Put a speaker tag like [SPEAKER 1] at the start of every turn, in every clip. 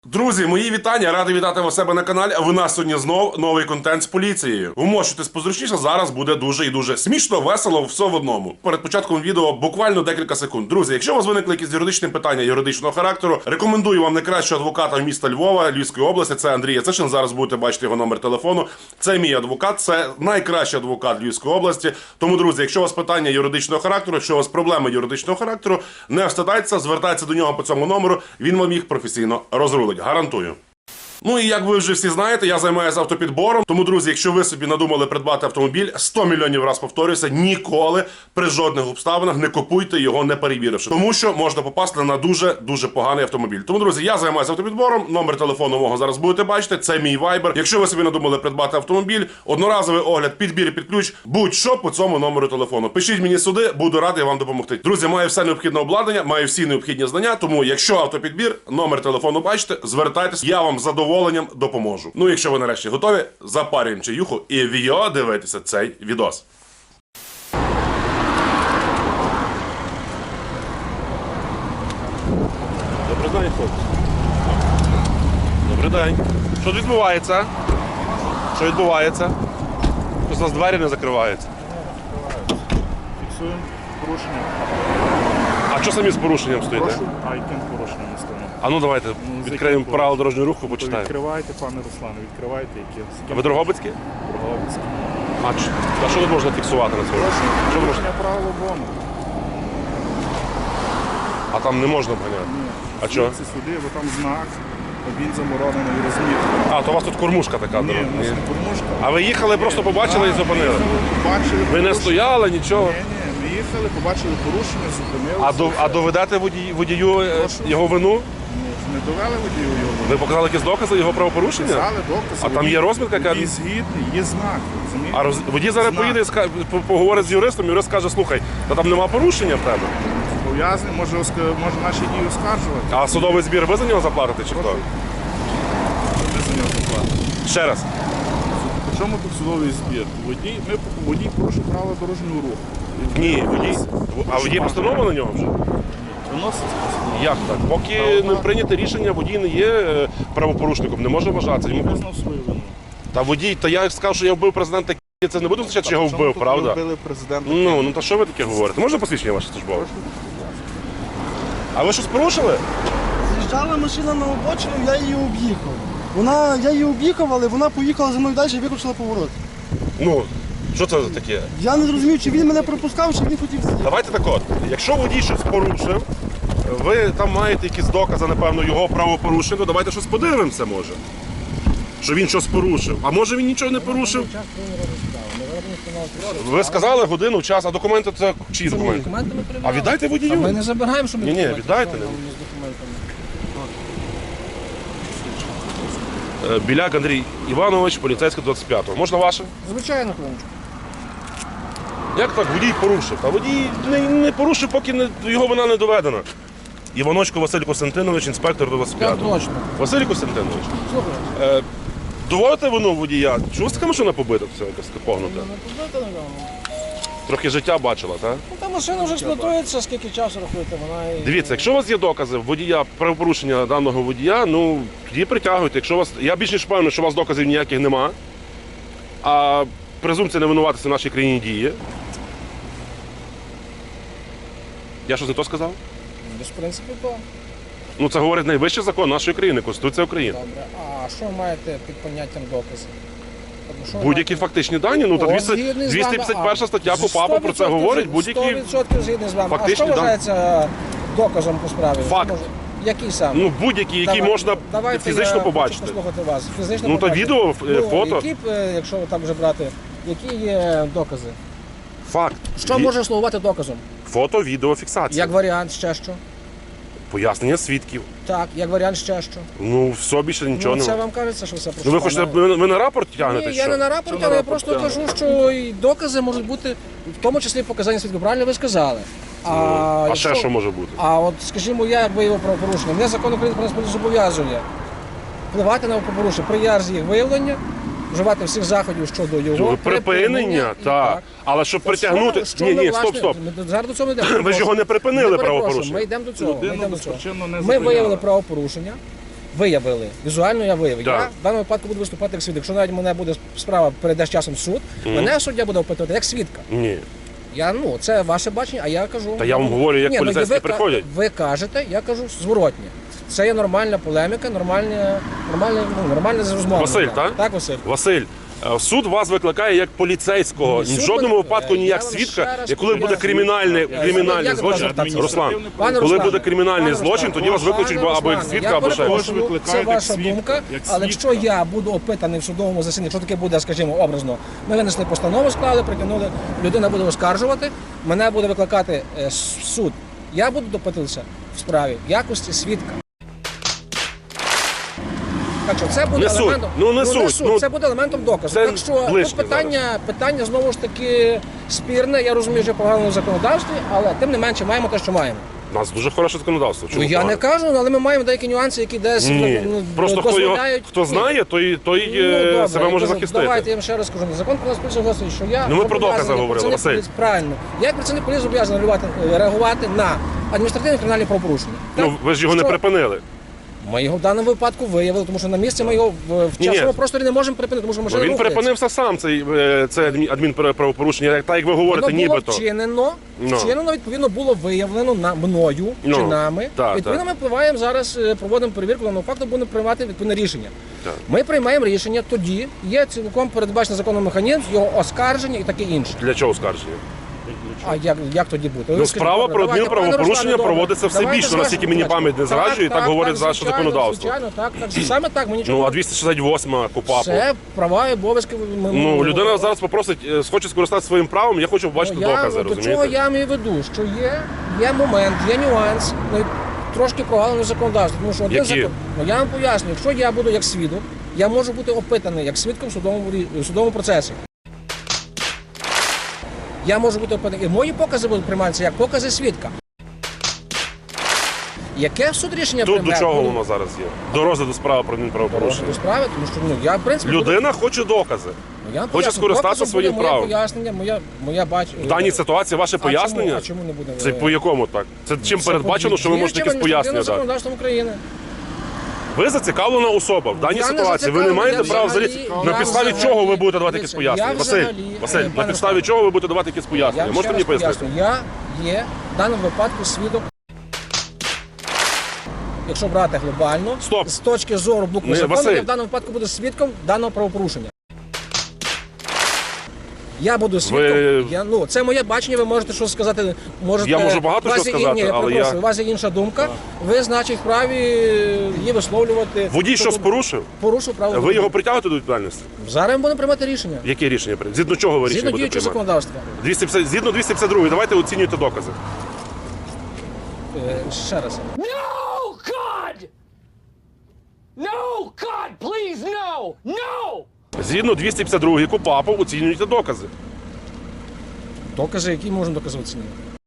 [SPEAKER 1] Друзі, мої вітання, радий вітати вас у себе на каналі. В нас сьогодні знов новий контент з поліцією. Вмощуйтесь позручніше, зараз буде дуже і дуже смішно, весело, все в одному. Перед початком відео буквально декілька секунд. Друзі, якщо у вас виникли якісь юридичні питання юридичного характеру, рекомендую вам найкращого адвоката міста Львова, Львівської області, це Андрій Яцишин. Зараз будете бачити його номер телефону. Це мій адвокат, це найкращий адвокат Львівської області. Тому, друзі, якщо у вас питання юридичного характеру, якщо у вас проблеми юридичного характеру, не встидайтеся, звертайтеся до нього по цьому номеру, він вам їх професійно розрулить. Гарантую. Ну і як ви вже всі знаєте, я займаюся автопідбором. Тому, друзі, якщо ви собі надумали придбати автомобіль, 100 мільйонів раз повторююся, ніколи при жодних обставинах не купуйте його, не перевіривши. Тому що можна попасти на дуже поганий автомобіль. Тому, друзі, я займаюся автопідбором, номер телефону мого зараз будете бачити, це мій вайбер. Якщо ви собі надумали придбати автомобіль, одноразовий огляд, підбір під ключ, будь-що по цьому номеру телефону. Пишіть мені сюди, буду радий вам допомогти. Друзі, маю все необхідне обладнання, маю всі необхідні знання, тому якщо автопідбір, номер телефону бачите, звертайтесь, я вам задоволенням допоможу. Ну, якщо ви нарешті готові, запарюємо чаюху і віо дивитися цей відос. Добрий день, хлопці. Добрий день. Що відбувається? Що відбувається? Щось у нас двері не закриваються.
[SPEAKER 2] Фіксуємо порушення.
[SPEAKER 1] А що самі з порушенням стоїте?
[SPEAKER 2] Прошу, а яким порушенням ми стоїмо?
[SPEAKER 1] А ну давайте відкриємо правила дорожнього руху, почитаємо.
[SPEAKER 2] Відкривайте, пане Руслане, відкривайте, які.
[SPEAKER 1] А ви Дрогобицькі?
[SPEAKER 2] Дрогобицькі.
[SPEAKER 1] А що тут можна фіксувати на цьому? Що можна?
[SPEAKER 2] Порушення правил обгону.
[SPEAKER 1] А там не можна обганяти?
[SPEAKER 2] Ні.
[SPEAKER 1] А чого?
[SPEAKER 2] Це сюди, бо там знак, він заборонений розмітки.
[SPEAKER 1] А, то у вас тут кормушка така.
[SPEAKER 2] Ні,
[SPEAKER 1] дорога.
[SPEAKER 2] у нас не кормушка.
[SPEAKER 1] А ви їхали, просто побачили і зупинили?
[SPEAKER 2] Побачили
[SPEAKER 1] Ви не
[SPEAKER 2] порушення.
[SPEAKER 1] стояли, нічого?
[SPEAKER 2] Ні, ми їхали, побачили порушення, зупинилися.
[SPEAKER 1] А доведете водію його вину?
[SPEAKER 2] Не довели водію його.
[SPEAKER 1] Ви показали якісь докази його правопорушення?
[SPEAKER 2] Показали докази.
[SPEAKER 1] А там є розмітка, яка...
[SPEAKER 2] Водій згідний, є знак, розумієте?
[SPEAKER 1] А водій зараз
[SPEAKER 2] Знак.
[SPEAKER 1] поїде, поговорить з юристом, юрист скаже, слухай, та там нема порушення в тебе.
[SPEAKER 2] Пов'язаний, може наші дії оскаржувати.
[SPEAKER 1] А судовий збір ви за нього заплатите чи хто?
[SPEAKER 2] Ми за нього заплатимо.
[SPEAKER 1] Ще раз.
[SPEAKER 2] При чому тут судовий збір? Водій порушив правила дорожнього руху.
[SPEAKER 1] Ні, водій. А водій постанова на нього вже?
[SPEAKER 2] Виноситься.
[SPEAKER 1] Як так? Поки не прийняте рішення, водій не є правопорушником, не може вважатися. Йому...
[SPEAKER 2] Визнав свою вину.
[SPEAKER 1] Та водій, та я сказав, що я вбив президента, це не буде означати, що я його вбив, правда?
[SPEAKER 2] Ви вбили президента.
[SPEAKER 1] Ну та що ви таке говорите? Можна посвідчення ваше службове? А ви щось порушили?
[SPEAKER 3] З'їжджала машина на обочину, я її об'їхав. Я її об'їхав, але вона поїхала за мною далі і виключила поворот.
[SPEAKER 1] Ну, що це за таке?
[SPEAKER 3] Я не зрозумів, чи він мене пропускав, чи він хотів з'їхати.
[SPEAKER 1] Давайте так от, якщо водій щось порушив, ви там маєте якісь докази, напевно, його правопорушення, то давайте щось подивимося, може. Що він щось порушив. А може він нічого не порушив? Ви сказали годину, час, а документи це чиї документи?
[SPEAKER 4] Документи ми
[SPEAKER 1] А
[SPEAKER 4] перевіряємо.
[SPEAKER 1] віддайте водію.
[SPEAKER 4] Ми не забираємо, що ми
[SPEAKER 1] Ні,
[SPEAKER 4] документи
[SPEAKER 1] віддайте
[SPEAKER 4] перевіряємо
[SPEAKER 1] нам.
[SPEAKER 4] з документами.
[SPEAKER 1] Біляк Андрій Іванович, поліцейський 25-го. Можна ваше?
[SPEAKER 4] Звичайно, хвилиночку.
[SPEAKER 1] Як так водій порушив? Та водій не порушив, поки його вина не доведена. Іваночко Василь Костянтинович, інспектор до 25-го.
[SPEAKER 4] Так, точно.
[SPEAKER 1] Василь Костянтинович,
[SPEAKER 4] Слухай,
[SPEAKER 1] доводите вину водія? Чому така машина побита, все якась погнута?
[SPEAKER 4] не побити, напевно.
[SPEAKER 1] Трохи життя бачила, так?
[SPEAKER 4] Ну, та машина вже експлуатується, скільки часу рахуєте, вона і...
[SPEAKER 1] Дивіться, якщо у вас є докази водія, правопорушення даного водія, ну тоді притягуйте. Якщо у вас, я більш ніж впевнений, що у вас доказів ніяких нема, а презумпція невинуватості в нашій країні діє. Я щось не то сказав?
[SPEAKER 4] Десь, в принципі, то.
[SPEAKER 1] Ну це говорить найвищий закон нашої країни, Конституція України.
[SPEAKER 4] Добре. А що ви маєте під поняттям докази? Тобто, що ви
[SPEAKER 1] Будь-які
[SPEAKER 4] маєте?
[SPEAKER 1] фактичні дані, ну то
[SPEAKER 4] От, згідний з вами.
[SPEAKER 1] 251 стаття КУпАПу про це
[SPEAKER 4] 100%
[SPEAKER 1] говорить, будь-які
[SPEAKER 4] 100% згідний з вами. А
[SPEAKER 1] фактичні
[SPEAKER 4] що
[SPEAKER 1] дані.
[SPEAKER 4] вважається доказом по справі?
[SPEAKER 1] Факт.
[SPEAKER 4] Може, який саме?
[SPEAKER 1] Ну будь-які, які можна
[SPEAKER 4] Давайте
[SPEAKER 1] фізично
[SPEAKER 4] я
[SPEAKER 1] побачити.
[SPEAKER 4] хочу послухати вас. Фізично
[SPEAKER 1] Ну, то
[SPEAKER 4] побачити.
[SPEAKER 1] відео, фото.
[SPEAKER 4] Які, якщо так вже брати, які є докази?
[SPEAKER 1] Факт.
[SPEAKER 4] Що може слугувати доказом?
[SPEAKER 1] Фото, відео, фіксація.
[SPEAKER 4] Як варіант ще що?
[SPEAKER 1] Пояснення свідків.
[SPEAKER 4] Так, як варіант ще що?
[SPEAKER 1] Ну, все більше нічого
[SPEAKER 4] Ну, це
[SPEAKER 1] немає.
[SPEAKER 4] вам кажеться, що все
[SPEAKER 1] Ну ви хочете, ви на рапорт тягнете?
[SPEAKER 4] Ні,
[SPEAKER 1] що?
[SPEAKER 4] я не на рапорті, але я просто кажу, що і докази можуть бути, в тому числі показання свідків. Правильно ви сказали.
[SPEAKER 1] А
[SPEAKER 4] якщо-
[SPEAKER 1] ще що може бути?
[SPEAKER 4] А от, скажімо, я як виявив правопорушення, мене закон України про нас зобов'язує впливати на правопорушення при ярзі їх виявлення, вживати всіх заходів щодо його
[SPEAKER 1] Припинення,
[SPEAKER 4] і
[SPEAKER 1] так. Але щоб притягнути...
[SPEAKER 4] Що
[SPEAKER 1] Ні,
[SPEAKER 4] ми,
[SPEAKER 1] ні,
[SPEAKER 4] власне,
[SPEAKER 1] стоп.
[SPEAKER 4] ми зараз до цього не йдемо.
[SPEAKER 1] Ви ж його не припинили,
[SPEAKER 4] Ми перепрошуємо,
[SPEAKER 1] правопорушення.
[SPEAKER 4] Ми йдемо до цього.
[SPEAKER 2] Людину
[SPEAKER 4] Ми йдемо до цього.
[SPEAKER 2] безпричинно не
[SPEAKER 4] Ми
[SPEAKER 2] зупиняли.
[SPEAKER 4] виявили правопорушення, виявили. Візуально я виявив.
[SPEAKER 1] Так.
[SPEAKER 4] Я в даному випадку буду виступати як свідок. Якщо навіть мене буде справа перейде з часом в суд, мене суддя буде опитувати як свідка.
[SPEAKER 1] Ні.
[SPEAKER 4] Це ваше бачення, а я кажу.
[SPEAKER 1] Та я вам говорю, як поліцейські приходять.
[SPEAKER 4] Ви кажете, я кажу зворотнє. Це є нормальна полеміка, нормальна розмова.
[SPEAKER 1] Василь, так?
[SPEAKER 4] Так, Василь.
[SPEAKER 1] Василь, суд вас викликає як поліцейського,
[SPEAKER 4] Ні,
[SPEAKER 1] в
[SPEAKER 4] суд
[SPEAKER 1] жодному
[SPEAKER 4] ви-
[SPEAKER 1] випадку ні
[SPEAKER 4] я
[SPEAKER 1] як
[SPEAKER 4] вам
[SPEAKER 1] свідка,
[SPEAKER 4] ще раз
[SPEAKER 1] і коли буде
[SPEAKER 4] поясню.
[SPEAKER 1] кримінальний
[SPEAKER 4] Як
[SPEAKER 1] злочин,
[SPEAKER 4] звертатися?
[SPEAKER 1] Руслан,
[SPEAKER 4] Пане
[SPEAKER 1] коли
[SPEAKER 4] Руслане,
[SPEAKER 1] буде кримінальний
[SPEAKER 4] пане
[SPEAKER 1] злочин,
[SPEAKER 4] Руслане,
[SPEAKER 1] тоді вас викличуть
[SPEAKER 4] пане
[SPEAKER 1] або як
[SPEAKER 4] Руслане,
[SPEAKER 1] свідка,
[SPEAKER 4] я
[SPEAKER 1] або ще.
[SPEAKER 4] перепрошую,
[SPEAKER 2] Ви викликаєте
[SPEAKER 4] це
[SPEAKER 2] як
[SPEAKER 4] ваша
[SPEAKER 2] свідка,
[SPEAKER 4] думка,
[SPEAKER 2] як
[SPEAKER 4] але
[SPEAKER 2] свідка.
[SPEAKER 4] якщо я буду опитаний в судовому засіданні, якщо таке буде, скажімо, образно, ми винесли постанову, склали, притягнули, людина буде оскаржувати, мене буде викликати суд. Я буду допитуватися в справі в якості свідка. Так що це буде
[SPEAKER 1] Не суть.
[SPEAKER 4] елементом.
[SPEAKER 1] Ну, не суть. Ну,
[SPEAKER 4] це буде елементом доказу.
[SPEAKER 1] це
[SPEAKER 4] Так що
[SPEAKER 1] ближче
[SPEAKER 4] тут питання знову ж таки спірне. Я розумію, що погано в законодавстві, але тим не менше маємо те, що маємо.
[SPEAKER 1] У нас дуже хороше законодавство.
[SPEAKER 4] Ну,
[SPEAKER 1] Чому
[SPEAKER 4] я
[SPEAKER 1] погано?
[SPEAKER 4] не кажу, але ми маємо деякі нюанси, які десь
[SPEAKER 1] Ні. Просто
[SPEAKER 4] дозволяють.
[SPEAKER 1] хто знає, той
[SPEAKER 4] Добре,
[SPEAKER 1] себе може
[SPEAKER 4] кажу,
[SPEAKER 1] захистити.
[SPEAKER 4] Давайте я вам ще раз скажу. Закон про нас поліцію говорить, що я
[SPEAKER 1] Ну, ми про докази
[SPEAKER 4] зобов'язаний
[SPEAKER 1] говорили,
[SPEAKER 4] працівник
[SPEAKER 1] Василь.
[SPEAKER 4] поліції- Правильно. Я як працівник поліції зобов'язаний реагувати на адміністративні кримінальні правопорушення.
[SPEAKER 1] Ну,
[SPEAKER 4] Так?
[SPEAKER 1] ви ж його не
[SPEAKER 4] Що?
[SPEAKER 1] припинили.
[SPEAKER 4] Ми його в даному випадку виявили, тому що на місці ми його в
[SPEAKER 1] Ні.
[SPEAKER 4] часному просторі не можемо припинити, тому що
[SPEAKER 1] Ну,
[SPEAKER 4] машина
[SPEAKER 1] він
[SPEAKER 4] рухається.
[SPEAKER 1] припинився сам, це
[SPEAKER 4] Воно
[SPEAKER 1] адмінправопорушення, так як ви говорите,
[SPEAKER 4] було
[SPEAKER 1] нібито.
[SPEAKER 4] вчинено,
[SPEAKER 1] Ну.
[SPEAKER 4] відповідно, було виявлено мною
[SPEAKER 1] Ну,
[SPEAKER 4] чи нами.
[SPEAKER 1] так,
[SPEAKER 4] Відповідно, ми впливаємо зараз, проводимо перевірку, даного факту будемо приймати відповідне рішення.
[SPEAKER 1] Так.
[SPEAKER 4] Ми приймаємо рішення тоді, є цілком передбачений законом механізм, його оскарження і таке інше.
[SPEAKER 1] Для чого оскарження?
[SPEAKER 4] А як тоді бути?
[SPEAKER 1] Ну,
[SPEAKER 4] Ви скажіть,
[SPEAKER 1] справа
[SPEAKER 4] добре,
[SPEAKER 1] про
[SPEAKER 4] давайте, пане
[SPEAKER 1] адмінправопорушення
[SPEAKER 4] Руслане,
[SPEAKER 1] проводиться
[SPEAKER 4] добре.
[SPEAKER 1] все
[SPEAKER 4] Давайте
[SPEAKER 1] більше, наскільки мені
[SPEAKER 4] скажемо,
[SPEAKER 1] пам'ять не зраджує, так говорить наше
[SPEAKER 4] звичайно,
[SPEAKER 1] законодавство.
[SPEAKER 4] Звичайно, так, саме так, ми нічого.
[SPEAKER 1] Ну, а 268 КУПАПу.
[SPEAKER 4] Це права і обов'язки.
[SPEAKER 1] Ну, людина зараз попросить, хоче скористатися своїм правом, я хочу побачити докази,
[SPEAKER 4] До чого
[SPEAKER 1] розумієте?
[SPEAKER 4] я маю в виду, що є момент, є нюанс, трошки прогалений законодавство. Тому що один
[SPEAKER 1] Які?
[SPEAKER 4] закон, я вам поясню, якщо я буду як свідок, я можу бути опитаний як свідком в судовому процесі. Я можу бути опитаний. І мої покази будуть прийматися як покази свідка. Яке суд рішення
[SPEAKER 1] Тут до
[SPEAKER 4] прийме?
[SPEAKER 1] чого
[SPEAKER 4] Ну,
[SPEAKER 1] воно зараз є? До розгляду справи про адмінправопорушення.
[SPEAKER 4] до справи, тому що я, в принципі,
[SPEAKER 1] Людина хоче докази.
[SPEAKER 4] я вам
[SPEAKER 1] хоче
[SPEAKER 4] поясню.
[SPEAKER 1] скористатися
[SPEAKER 4] Доказом
[SPEAKER 1] своїм
[SPEAKER 4] буде
[SPEAKER 1] правом.
[SPEAKER 4] Моє пояснення, моя
[SPEAKER 1] В даній ситуації ваше пояснення?
[SPEAKER 4] А чому не буде?
[SPEAKER 1] Це по якому так? Це чим передбачено, що ви можете якісь пояснення дати?
[SPEAKER 4] законодавством України.
[SPEAKER 1] Ви зацікавлена особа в даній
[SPEAKER 4] Я не
[SPEAKER 1] ситуації. Ви не
[SPEAKER 4] зацікавлений,
[SPEAKER 1] маєте
[SPEAKER 4] я
[SPEAKER 1] права
[SPEAKER 4] взагалі-
[SPEAKER 1] взагалі. На
[SPEAKER 4] я
[SPEAKER 1] підставі
[SPEAKER 4] взагалі-
[SPEAKER 1] чого ви будете давати якісь
[SPEAKER 4] дивіться,
[SPEAKER 1] пояснення?
[SPEAKER 4] я
[SPEAKER 1] Василь,
[SPEAKER 4] взагалі-
[SPEAKER 1] Василь, на
[SPEAKER 4] пане
[SPEAKER 1] підставі
[SPEAKER 4] Руслане,
[SPEAKER 1] чого ви будете давати якісь
[SPEAKER 4] Я
[SPEAKER 1] пояснення?
[SPEAKER 4] вам
[SPEAKER 1] Можете
[SPEAKER 4] ще
[SPEAKER 1] мені
[SPEAKER 4] раз
[SPEAKER 1] пояснити?
[SPEAKER 4] поясню. Я є в даному випадку свідок. Якщо брати глобально,
[SPEAKER 1] Стоп.
[SPEAKER 4] з точки зору букви
[SPEAKER 1] Ні,
[SPEAKER 4] закону,
[SPEAKER 1] Василь.
[SPEAKER 4] я в даному випадку буду свідком даного правопорушення. Я буду свідком. Це моє бачення, ви можете щось сказати.
[SPEAKER 1] Я можу багато
[SPEAKER 4] у вас
[SPEAKER 1] що
[SPEAKER 4] є-
[SPEAKER 1] сказати,
[SPEAKER 4] ні, я
[SPEAKER 1] але
[SPEAKER 4] перепрошую,
[SPEAKER 1] я-
[SPEAKER 4] у вас є інша думка. Ви, значить, вправі її висловлювати.
[SPEAKER 1] Водій щось порушив?
[SPEAKER 4] Порушив право.
[SPEAKER 1] Ви
[SPEAKER 4] дорожнього
[SPEAKER 1] його
[SPEAKER 4] руху.
[SPEAKER 1] притягуєте до відповідальності?
[SPEAKER 4] Зараз ми будемо приймати рішення.
[SPEAKER 1] Яке рішення прийняти? Згідно чого ви рішення
[SPEAKER 4] Згідно
[SPEAKER 1] будете
[SPEAKER 4] діючого
[SPEAKER 1] приймати?
[SPEAKER 4] законодавства.
[SPEAKER 1] Згідно 252, давайте оцінюйте докази.
[SPEAKER 4] Ще раз.
[SPEAKER 5] No, God! No, God, please, no! No!
[SPEAKER 1] Згідно 252 КУПАПу оцінюйте докази.
[SPEAKER 4] Докази, які можемо докази оцінити?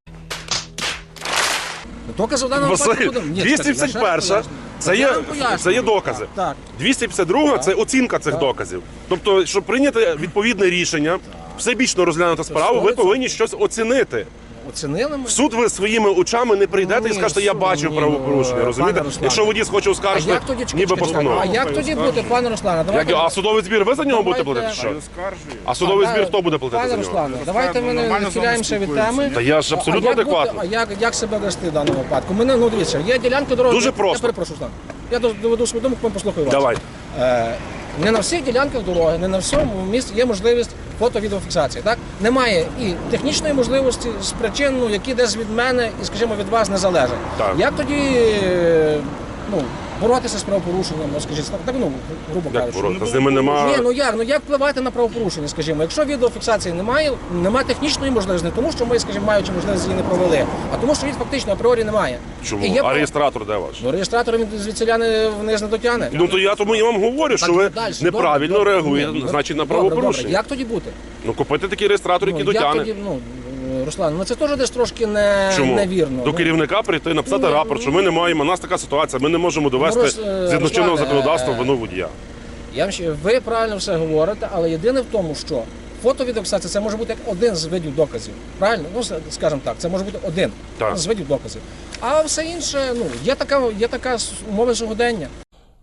[SPEAKER 4] Докази в даному випадку
[SPEAKER 1] Василь,
[SPEAKER 4] будемо. Ні,
[SPEAKER 1] 251 це є докази.
[SPEAKER 4] Так.
[SPEAKER 1] 252 це оцінка цих доказів. Тобто, щоб прийняти відповідне рішення, всебічно розглянути справу, ви
[SPEAKER 4] 100%.
[SPEAKER 1] повинні щось оцінити.
[SPEAKER 4] Оцінили ми.
[SPEAKER 1] В суд ви своїми очами не прийдете і
[SPEAKER 4] Ні,
[SPEAKER 1] скажете, я
[SPEAKER 4] суд,
[SPEAKER 1] бачив
[SPEAKER 4] ні,
[SPEAKER 1] правопорушення,
[SPEAKER 4] ну,
[SPEAKER 1] розумієте?
[SPEAKER 4] пане Руслане.
[SPEAKER 1] Якщо водій хоче
[SPEAKER 4] А
[SPEAKER 1] оскаржити,
[SPEAKER 4] як тоді
[SPEAKER 1] ніби постанову.
[SPEAKER 4] А як тоді бути, пане Руслане? Давайте.
[SPEAKER 1] А судовий збір ви за нього будете
[SPEAKER 4] Давайте.
[SPEAKER 1] платити? Що?
[SPEAKER 2] Оскаржує.
[SPEAKER 1] А судовий збір хто буде платити
[SPEAKER 4] Пане
[SPEAKER 1] за нього?
[SPEAKER 4] Руслане, давайте ми не
[SPEAKER 2] Нормально з вами
[SPEAKER 4] відхиляємося від
[SPEAKER 2] спілкуємося.
[SPEAKER 4] теми.
[SPEAKER 1] Та я ж абсолютно
[SPEAKER 4] як бути-
[SPEAKER 1] адекватно.
[SPEAKER 4] як себе вести в даному випадку? Мене, дивіться, є ділянки дороги.
[SPEAKER 1] Дуже
[SPEAKER 4] Я
[SPEAKER 1] просто.
[SPEAKER 4] перепрошую, Руслан. Я доведу свою думку, потім послухаю вас.
[SPEAKER 1] Давай.
[SPEAKER 4] Не на всіх ділянках дороги, не на всьому місці є можливість фото-відеофіксації. Так? Немає і технічної можливості з причин, які десь від мене і, скажімо, від вас не залежать.
[SPEAKER 1] Так.
[SPEAKER 4] Як тоді боротися з правопорушенням, скажіть, так, грубо
[SPEAKER 1] Як
[SPEAKER 4] кажучи.
[SPEAKER 1] боротися? З ними нема.
[SPEAKER 4] Ні, як впливати на правопорушення, скажімо, якщо відеофіксації немає технічної можливості, не тому, що ми, скажімо, маючи можливість її не провели, а тому, що її фактично апріорі немає.
[SPEAKER 1] Чому?
[SPEAKER 4] І є
[SPEAKER 1] А реєстратор де ваш?
[SPEAKER 4] реєстратор він звідсіля вниз не дотягне.
[SPEAKER 1] Ну то я тому і вам говорю, що ви
[SPEAKER 4] Далі,
[SPEAKER 1] неправильно
[SPEAKER 4] добре,
[SPEAKER 1] реагуєте,
[SPEAKER 4] добре,
[SPEAKER 1] значить, на
[SPEAKER 4] добре,
[SPEAKER 1] правопорушення.
[SPEAKER 4] добре. Як тоді бути?
[SPEAKER 1] Ну купити такий реєстратор, який
[SPEAKER 4] Як
[SPEAKER 1] дотягне.
[SPEAKER 4] тоді, Руслан, це теж десь трошки
[SPEAKER 1] Чому?
[SPEAKER 4] невірно.
[SPEAKER 1] До керівника прийти, написати
[SPEAKER 4] Ні,
[SPEAKER 1] рапорт, що ми не маємо, у нас така ситуація, ми не можемо довести згідно
[SPEAKER 4] Руслане,
[SPEAKER 1] чинного законодавства вину водія.
[SPEAKER 4] Ви правильно все говорите, але єдине в тому, що фото-відеофіксація це може бути як один з видів доказів. Правильно? Скажімо так, це може бути один
[SPEAKER 1] Так.
[SPEAKER 4] з видів доказів. А все інше, є така умова сьогодення.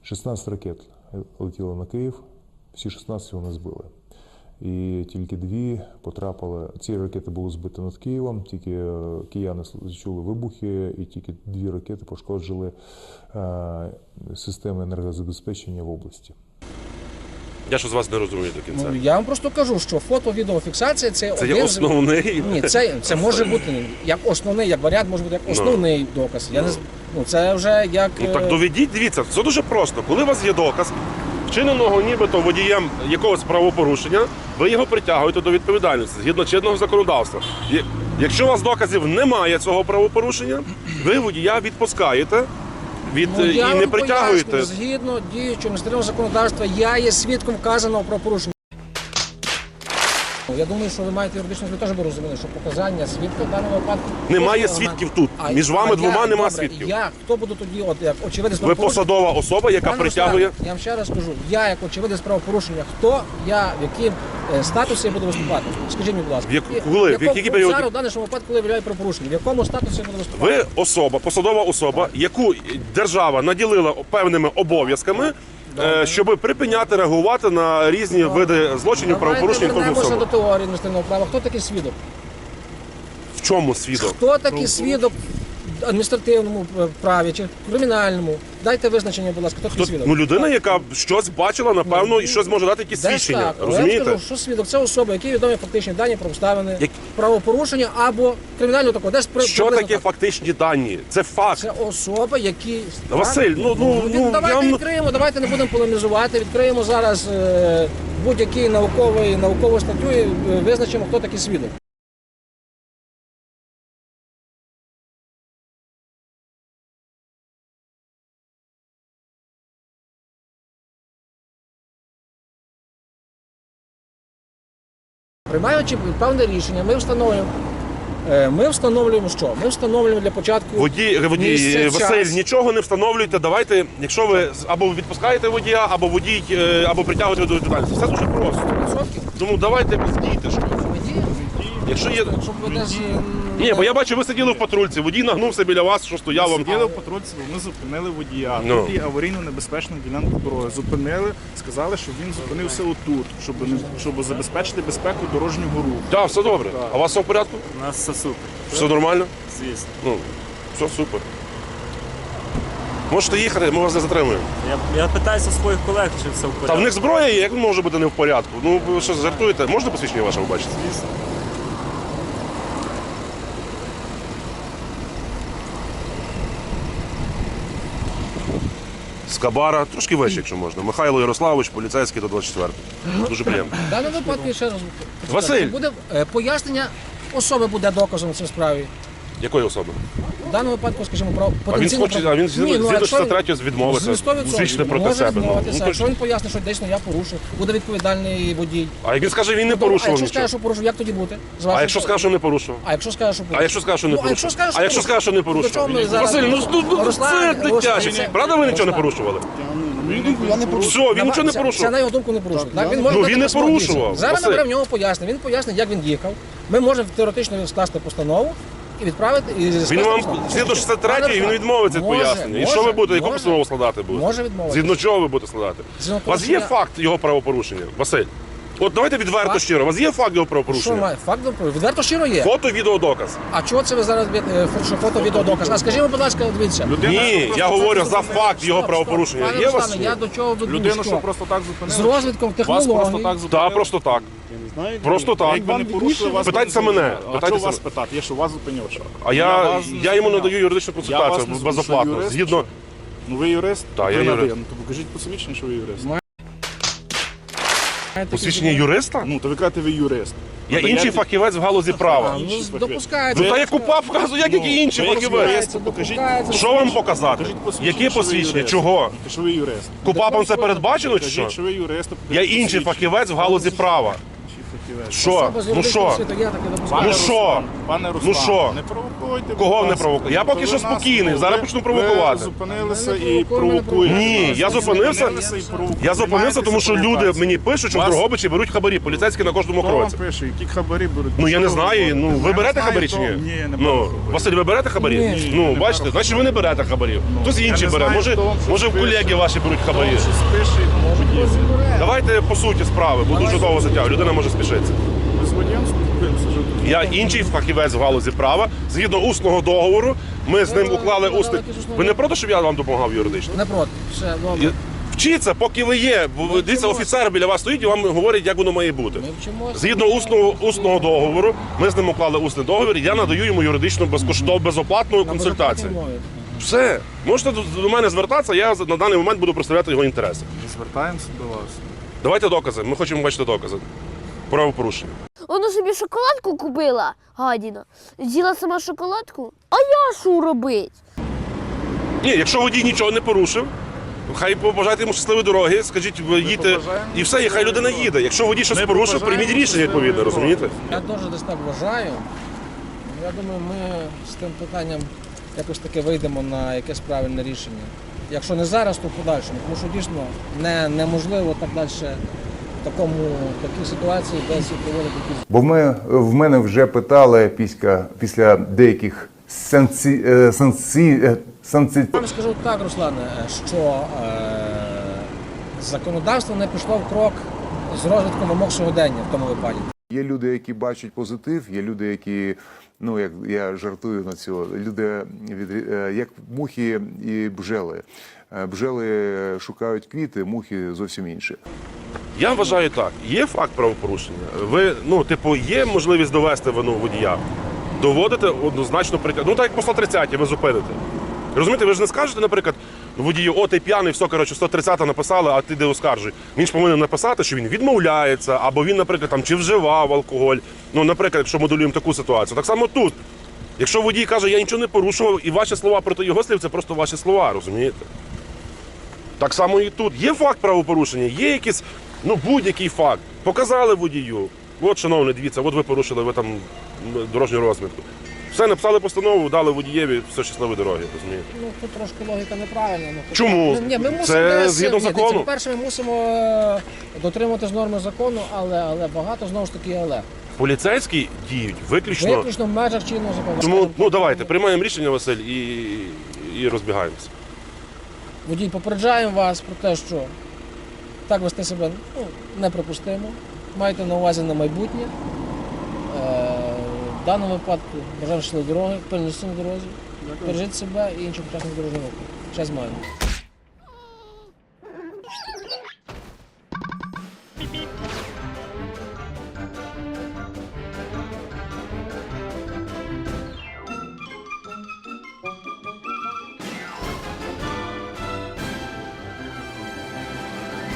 [SPEAKER 6] 16 ракет летіло на Київ, всі 16 вони збили. І тільки 2 потрапили, ці ракети були збиті над Києвом, тільки кияни чули вибухи, і тільки 2 ракети пошкоджили системи енергозабезпечення в області.
[SPEAKER 1] Я ж з вас не розумію до кінця.
[SPEAKER 4] Ну, я вам просто кажу, що фото-відеофіксація це
[SPEAKER 1] Це
[SPEAKER 4] один
[SPEAKER 1] є
[SPEAKER 4] з-
[SPEAKER 1] основний.
[SPEAKER 4] Ні, це може бути як основний, як варіант, може бути як основний доказ. Я не з- ну, це вже як
[SPEAKER 1] Ну так доведіть, дивіться, це дуже просто. Коли у вас є доказ вчиненого нібито водієм якогось правопорушення, ви його притягуєте до відповідальності згідно чинного законодавства. Якщо у вас доказів немає цього правопорушення, ви водія відпускаєте
[SPEAKER 4] Ну,
[SPEAKER 1] і
[SPEAKER 4] я
[SPEAKER 1] не
[SPEAKER 4] вам
[SPEAKER 1] притягуєте.
[SPEAKER 4] пояснюю, згідно діючого адміністративного законодавства, я є свідком вказаного про порушення. Я думаю, що ви маєте юридичну теж би розуміли, що показання свідка в даному випадку...
[SPEAKER 1] Немає
[SPEAKER 4] кожного
[SPEAKER 1] свідків
[SPEAKER 4] елементу.
[SPEAKER 1] тут. Між вами двома нема
[SPEAKER 4] добре,
[SPEAKER 1] свідків.
[SPEAKER 4] Я, хто буду тоді, от як очевидець
[SPEAKER 1] Ви
[SPEAKER 4] правопорушення?
[SPEAKER 1] посадова особа, яка
[SPEAKER 4] Пане
[SPEAKER 1] притягує.
[SPEAKER 4] Руслане, я вам ще раз скажу, я як очевидець правопорушення, хто я, в яким статусі я буду виступати? Скажіть мені, будь ласка.
[SPEAKER 1] Коли? В який період?
[SPEAKER 4] Зараз, в даному випадку, коли я виявляю правопорушення, в якому статусі я буду виступати?
[SPEAKER 1] Ви особа, посадова особа, яку держава наділила певними обов'язками, щоб припиняти реагувати на різні види злочинів, правопорушень.
[SPEAKER 4] Давайте
[SPEAKER 1] кожної
[SPEAKER 4] вернемося
[SPEAKER 1] особи.
[SPEAKER 4] до теорії адміністративного права. Хто такий свідок?
[SPEAKER 1] В чому свідок?
[SPEAKER 4] Хто такий свідок в адміністративному праві чи кримінальному? Дайте визначення, будь ласка, хто такий свідок?
[SPEAKER 1] Ну, людина, яка щось бачила, напевно, і щось може дати якісь
[SPEAKER 4] Десь
[SPEAKER 1] свідчення.
[SPEAKER 4] так. Але я вам
[SPEAKER 1] Розумієте?
[SPEAKER 4] скажу, що свідок це особа, які відомі фактичні дані про обставини,
[SPEAKER 1] Як-
[SPEAKER 4] правопорушення або кримінального такого. Десь
[SPEAKER 1] Що
[SPEAKER 4] приблизно
[SPEAKER 1] таке
[SPEAKER 4] так.
[SPEAKER 1] фактичні дані? Це факт.
[SPEAKER 4] Це особа, які...
[SPEAKER 1] Василь,
[SPEAKER 4] Давайте
[SPEAKER 1] я вам-
[SPEAKER 4] відкриємо, давайте не будемо полемізувати. Відкриємо зараз будь-який наукову статтю і визначимо, хто такий свідок. Приймаючи певне рішення, ми встановлюємо що? Ми встановлюємо для початку
[SPEAKER 1] Водій,
[SPEAKER 4] місце,
[SPEAKER 1] Василь,
[SPEAKER 4] час.
[SPEAKER 1] нічого не встановлюйте. Давайте, якщо ви або відпускаєте водія, або водій, або притягуєте до відповідальності. Все дуже просто.
[SPEAKER 4] 100%.
[SPEAKER 1] Тому давайте дійте що.
[SPEAKER 4] Водії,
[SPEAKER 1] Якщо є.
[SPEAKER 4] щоб ви десь...
[SPEAKER 1] Ні, бо я бачу, ви сиділи в патрульці, водій нагнувся біля вас, що стояв вам.
[SPEAKER 2] Сиділи в патрульці, бо ми зупинили водія.
[SPEAKER 1] Ну.
[SPEAKER 2] Тут є аварійно небезпечна ділянка дороги. Зупинили, сказали, що він зупинився отут, щоб забезпечити безпеку дорожнього руху.
[SPEAKER 1] Так, все добре. А у вас все в порядку?
[SPEAKER 7] У нас все супер,
[SPEAKER 1] Все нормально?
[SPEAKER 7] звісно.
[SPEAKER 1] Ну, все супер. Можете їхати, ми вас не затримуємо.
[SPEAKER 7] Я питаюся своїх колег, чи все в порядку.
[SPEAKER 1] Та в них зброя є, як може бути не в порядку? Ну, ви що, жартуєте? Можна посвідчення ваше побачити?
[SPEAKER 7] Звісно.
[SPEAKER 1] З Кабара, трошки вище, якщо можна. Михайло Ярославович, поліцейський до 24. Дуже приємно.
[SPEAKER 4] В даному випадку ще раз
[SPEAKER 1] Василь!
[SPEAKER 4] буде пояснення особи буде доказом в цій справі.
[SPEAKER 1] Якої особи?
[SPEAKER 4] В даному випадку, скажімо, про
[SPEAKER 1] А він
[SPEAKER 4] потенційно...
[SPEAKER 1] хоче, а він згідно 63 відмовиться. Звичне проти
[SPEAKER 4] може
[SPEAKER 1] себе.
[SPEAKER 4] відмовитися.
[SPEAKER 1] Ну,
[SPEAKER 4] Якщо він пояснить, що дійсно я порушив, буде відповідальний водій.
[SPEAKER 1] а як він скаже, він не
[SPEAKER 4] А
[SPEAKER 1] порушував
[SPEAKER 4] якщо
[SPEAKER 1] нічого.
[SPEAKER 4] скаже, що порушив, як тоді бути? З
[SPEAKER 1] А
[SPEAKER 4] вашої
[SPEAKER 1] якщо скаже, що не порушував?
[SPEAKER 4] А якщо скаже, що порушив?
[SPEAKER 1] А якщо скаже, що не
[SPEAKER 4] Ну, а якщо
[SPEAKER 1] порушував?
[SPEAKER 4] скаже, що
[SPEAKER 1] А якщо скаже, що не
[SPEAKER 4] До чого ми
[SPEAKER 1] порушував?
[SPEAKER 4] зараз-
[SPEAKER 1] Василь, це
[SPEAKER 4] Руслан,
[SPEAKER 1] дитяче.
[SPEAKER 4] Руслан,
[SPEAKER 1] Правда, ви нічого не
[SPEAKER 4] Руслан.
[SPEAKER 1] порушували?
[SPEAKER 3] Я не порушую.
[SPEAKER 1] Все, він нічого не
[SPEAKER 4] Це
[SPEAKER 1] порушував.
[SPEAKER 4] на його думку не порушив. Так, він
[SPEAKER 1] Ну,
[SPEAKER 4] може
[SPEAKER 1] він
[SPEAKER 4] дати
[SPEAKER 1] не
[SPEAKER 4] постанову.
[SPEAKER 1] порушував,
[SPEAKER 4] Зараз
[SPEAKER 1] Василь.
[SPEAKER 4] ми беремо в нього пояснення. Він пояснить, як він їхав. Ми можемо теоретично скласти постанову і відправити. І
[SPEAKER 1] Він вам згідно 63 він відмовиться від пояснення. І що ви будете, яку постанову складати будете?
[SPEAKER 4] Може відмовитися.
[SPEAKER 1] Згідно чого ви будете складати?
[SPEAKER 4] Згідно
[SPEAKER 1] У вас
[SPEAKER 4] того,
[SPEAKER 1] є
[SPEAKER 4] що я-
[SPEAKER 1] факт його правопорушення, Василь? От давайте відверто
[SPEAKER 4] Факт?
[SPEAKER 1] щиро. У вас є факт його
[SPEAKER 4] Що
[SPEAKER 1] правопорушення?
[SPEAKER 4] має? Факт відверто щиро є.
[SPEAKER 1] Фото, відео, доказ.
[SPEAKER 4] А чого це ви зараз що фото, відео, доказ? А скажімо, будь ласка, дивіться.
[SPEAKER 1] Ні, я говорю за факт його правопорушення.
[SPEAKER 4] Пане
[SPEAKER 1] Є у вас?
[SPEAKER 4] Руслане, я до чого веду,
[SPEAKER 2] Людину,
[SPEAKER 4] що
[SPEAKER 2] що просто так зупинили?
[SPEAKER 4] з розвитком
[SPEAKER 2] Вас просто
[SPEAKER 4] технологій.
[SPEAKER 2] так зупинили?
[SPEAKER 1] Так, просто так.
[SPEAKER 3] Я не знаю.
[SPEAKER 1] Просто так.
[SPEAKER 2] Якби не порушили, вас
[SPEAKER 1] Питайтеся
[SPEAKER 2] би не
[SPEAKER 1] мене.
[SPEAKER 2] зупинили. А
[SPEAKER 1] Питайтеся
[SPEAKER 2] що вас
[SPEAKER 1] мене.
[SPEAKER 2] питати? Я що вас зупинив? Що?
[SPEAKER 1] А
[SPEAKER 2] вас не
[SPEAKER 1] я йому
[SPEAKER 2] зупиняв.
[SPEAKER 1] надаю юридичну
[SPEAKER 2] Я вас
[SPEAKER 1] консультацію
[SPEAKER 2] не зупиняв.
[SPEAKER 1] безоплатно.
[SPEAKER 2] Юрист,
[SPEAKER 1] Згідно.
[SPEAKER 2] Ну ви юрист?
[SPEAKER 1] Так, я
[SPEAKER 2] Ви на
[SPEAKER 1] юрист.
[SPEAKER 2] ви. Ну, то покажіть посвідчення, що ви юрист.
[SPEAKER 1] Посвідчення юриста?
[SPEAKER 2] Ну, то ви кажете, ви юрист.
[SPEAKER 1] Я інший фахівець в галузі права.
[SPEAKER 4] Ну, допускається.
[SPEAKER 1] Ну та я КУПАП вказую, як які інші
[SPEAKER 2] ви як
[SPEAKER 1] фахівець.
[SPEAKER 2] юрист, покажіть.
[SPEAKER 4] Допускається.
[SPEAKER 1] Що вам показати?
[SPEAKER 2] Покажіть посвідчення,
[SPEAKER 1] Яке
[SPEAKER 2] що ви
[SPEAKER 1] посвідчення?
[SPEAKER 2] юрист.
[SPEAKER 1] Чого?
[SPEAKER 2] Що ви юрист.
[SPEAKER 1] КУПАПом це передбачено чи що?
[SPEAKER 2] Покажіть, що ви юрист.
[SPEAKER 1] Я інший фахівець в галузі права.
[SPEAKER 2] фахівець.
[SPEAKER 1] Що?
[SPEAKER 4] Особа з
[SPEAKER 1] Ну
[SPEAKER 4] юридичного
[SPEAKER 1] що?
[SPEAKER 4] світу, я таки допускаю.
[SPEAKER 1] Ну що?
[SPEAKER 2] Пане Руслан,
[SPEAKER 1] Ну що?
[SPEAKER 2] не провокуйте.
[SPEAKER 1] Кого
[SPEAKER 2] будь
[SPEAKER 1] не
[SPEAKER 2] ласка.
[SPEAKER 1] провокую? Я поки
[SPEAKER 2] Ви
[SPEAKER 1] що
[SPEAKER 2] нас-
[SPEAKER 1] спокійний, зараз
[SPEAKER 2] ви-
[SPEAKER 1] почну провокувати.
[SPEAKER 2] Ви зупинилися
[SPEAKER 4] Мене
[SPEAKER 2] і
[SPEAKER 4] провокує,
[SPEAKER 2] провокуєте.
[SPEAKER 1] Ні, я зупинився.
[SPEAKER 2] і провокуєте.
[SPEAKER 1] Я зупинився, тому що люди
[SPEAKER 2] Займаєтеся
[SPEAKER 1] мені пишуть, що в
[SPEAKER 2] Вас-
[SPEAKER 1] Дрогобичі беруть хабарі, поліцейські на кожному
[SPEAKER 2] Хто вам
[SPEAKER 1] кроці.
[SPEAKER 2] пише, які хабарі беруть?
[SPEAKER 1] Ну я не
[SPEAKER 2] Що ви
[SPEAKER 1] знаю. Ну
[SPEAKER 2] говорите?
[SPEAKER 1] ви
[SPEAKER 2] Я
[SPEAKER 1] берете
[SPEAKER 2] не знаю,
[SPEAKER 1] хабарі чи
[SPEAKER 2] хто-
[SPEAKER 1] ні?
[SPEAKER 2] Ні, не беру
[SPEAKER 1] Ну
[SPEAKER 2] хабарі.
[SPEAKER 1] Василь, ви берете хабарі?
[SPEAKER 4] Ні.
[SPEAKER 1] Ну
[SPEAKER 2] не
[SPEAKER 1] бачите,
[SPEAKER 2] беру
[SPEAKER 1] значить ви не берете хабарів. Хтось
[SPEAKER 2] я
[SPEAKER 1] інший
[SPEAKER 2] не
[SPEAKER 1] бере.
[SPEAKER 2] знаю,
[SPEAKER 1] Може,
[SPEAKER 2] хто вам щось
[SPEAKER 1] може
[SPEAKER 2] пише.
[SPEAKER 1] колеги ваші беруть хабарі.
[SPEAKER 2] Хто щось пише, водій.
[SPEAKER 1] Давайте по суті справи, бо дуже довго затягує. Людина може спішитися.
[SPEAKER 2] Ми з водієм спілкуємося. що тут?
[SPEAKER 1] Я інший фахівець в галузі права. Згідно усного договору, ми з ним уклали усний. Ви не проти, щоб я вам допомагав юридично?
[SPEAKER 4] Не проти. Все, добре.
[SPEAKER 1] І Вчіться, поки ви є. Бо ви дивіться, офіцер біля вас стоїть і вам говорить, як воно має бути.
[SPEAKER 4] Ми вчимося.
[SPEAKER 1] Згідно усного договору, ми з ним уклали усний договір, і я надаю йому юридичну безкоштовну безоплатну
[SPEAKER 4] На
[SPEAKER 1] консультацію.
[SPEAKER 4] безоплатній мові.
[SPEAKER 1] Все, можете до мене звертатися, я на даний момент буду представляти його інтереси.
[SPEAKER 2] Звертаємося до вас.
[SPEAKER 1] Давайте докази. Ми хочемо бачити докази. Правопорушення.
[SPEAKER 8] Вона собі шоколадку купила, гадіна. З'їла сама шоколадку. А я що робить?
[SPEAKER 1] Ні, якщо водій нічого не порушив, хай побажайте йому щасливої дороги, скажіть, ви їдьте,
[SPEAKER 2] побажаємо
[SPEAKER 1] і все, і хай людина їде. Якщо водій щось
[SPEAKER 2] Ми
[SPEAKER 1] порушив,
[SPEAKER 2] побажаємо
[SPEAKER 1] прийміть рішення відповідне,
[SPEAKER 2] щасливої
[SPEAKER 1] розумієте?
[SPEAKER 4] Я теж десь так вважаю. Я думаю, ми з тим питанням якось таки вийдемо на якесь правильне рішення. Якщо не зараз, то в подальшому. Тому що дійсно неможливо так далі в такій ситуації десь проводити якісь.
[SPEAKER 9] Бо в мене вже питали після деяких
[SPEAKER 4] Вам скажу так, Руслане, що законодавство не пішло в крок з розвитком вимог сьогодення в тому випадку.
[SPEAKER 9] Є люди, які бачать позитив, є люди, які, ну як я жартую на цього, люди як мухи і бджели. Бджели шукають квіти, мухи зовсім інші.
[SPEAKER 1] Я вважаю так, є факт правопорушення. Ви, є можливість довести вину водія. Доводите однозначно притягнути. Ну так як по 130 ви зупините. Розумієте, ви ж не скажете, наприклад, водію, о, ти п'яний, все, 130 написали, а ти де оскаржуй. Він ж повинен написати, що він відмовляється, або він, наприклад, там, чи вживав алкоголь. Ну, наприклад, якщо моделюємо таку ситуацію. Так само тут. Якщо водій каже, я нічого не порушував, і ваші слова проти його слів, це просто ваші слова, розумієте? Так само і тут. Є факт правопорушення, є якийсь, будь-який факт. Показали водію. От, шановний, дивіться, от ви порушили, ви там дорожню розмітку. Все, написали постанову, дали водієві, все, щасливої дороги, розумієте?
[SPEAKER 4] Ну, тут трошки логіка неправильна.
[SPEAKER 1] Чому?
[SPEAKER 4] Ні, ми мусимо,
[SPEAKER 1] Це згідно закону.
[SPEAKER 4] По-перше, ми мусимо дотримуватись норми закону, але багато, знову ж таки, але.
[SPEAKER 1] Поліцейські діють виключно.
[SPEAKER 4] Виключно в межах чинного закону.
[SPEAKER 1] Тому, давайте, приймаємо рішення, Василь, і розбігаємося.
[SPEAKER 4] Водій, попереджаємо вас про те, що так вести себе неприпустимо. Майте на увазі на майбутнє. В даному випадку бажаємо щасливої дороги, пильності на дорозі, бережіть себе і інших учасників дорожнього руху. Ще з маємо.